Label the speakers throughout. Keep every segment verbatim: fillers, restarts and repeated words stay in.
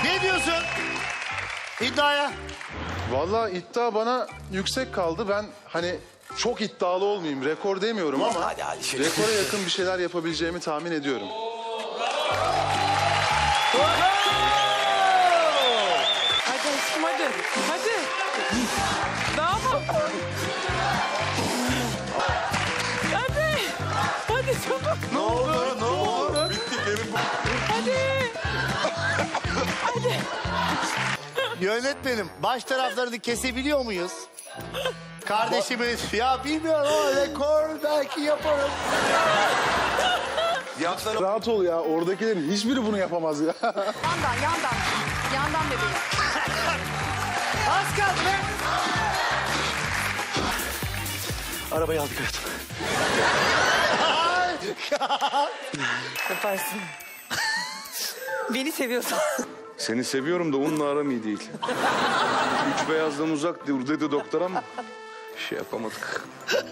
Speaker 1: Ne diyorsun iddiaya?
Speaker 2: Vallahi iddia bana yüksek kaldı. Ben hani çok iddialı olmayayım. Rekor demiyorum ama
Speaker 1: Hadi, hadi şöyle.
Speaker 2: rekora yakın bir şeyler yapabileceğimi tahmin ediyorum.
Speaker 3: Hadi aşkım hadi. Hadi. Daha mı? Hadi. Hadi çabuk.
Speaker 2: Ne oldu? Ne oldu? Bitti. Gelin bu.
Speaker 3: Hadi. Hadi.
Speaker 1: Yönetmenim baş taraflarını kesebiliyor muyuz? Kardeşimiz ya bilmiyorum ama rekor belki yaparım.
Speaker 2: Rahat ol ya. Oradakilerin hiçbiri bunu yapamaz ya.
Speaker 4: Yandan, yandan. Yandan bebeğim.
Speaker 1: Az kaldı be.
Speaker 5: Arabayı aldık hayatım.
Speaker 3: Yaparsın. Beni seviyorsan.
Speaker 6: Seni seviyorum da onunla aram iyi değil. Üç beyazdan uzak dur dedi doktor ama bir şey yapamadık.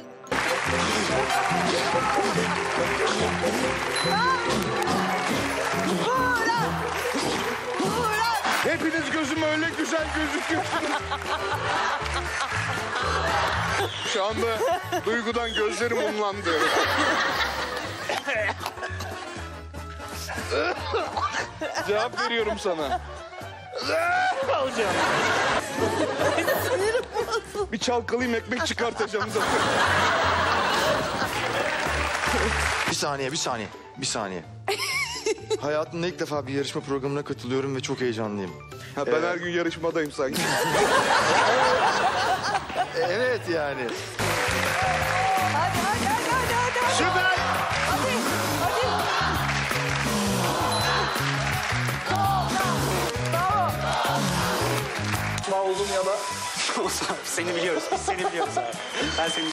Speaker 6: Hepiniz gözüme öyle güzel gözüküyorsunuz. Şu anda duygudan gözlerim umlandı. Cevap veriyorum sana.
Speaker 3: Alacağım.
Speaker 6: Bir çalkalayayım ekmek çıkartacağım zaten.
Speaker 5: Bir saniye, bir saniye, bir saniye. Hayatımda ilk defa bir yarışma programına katılıyorum ve çok heyecanlıyım.
Speaker 6: Ha, ben her gün yarışmadayım sanki.
Speaker 5: Evet yani.
Speaker 4: Hadi, hadi, hadi, hadi, hadi. hadi.
Speaker 1: Süper.
Speaker 4: Hadi, hadi. Bravo.
Speaker 7: Oldum ya da seni biliyoruz. Biz seni biliyoruz abi. Ben seni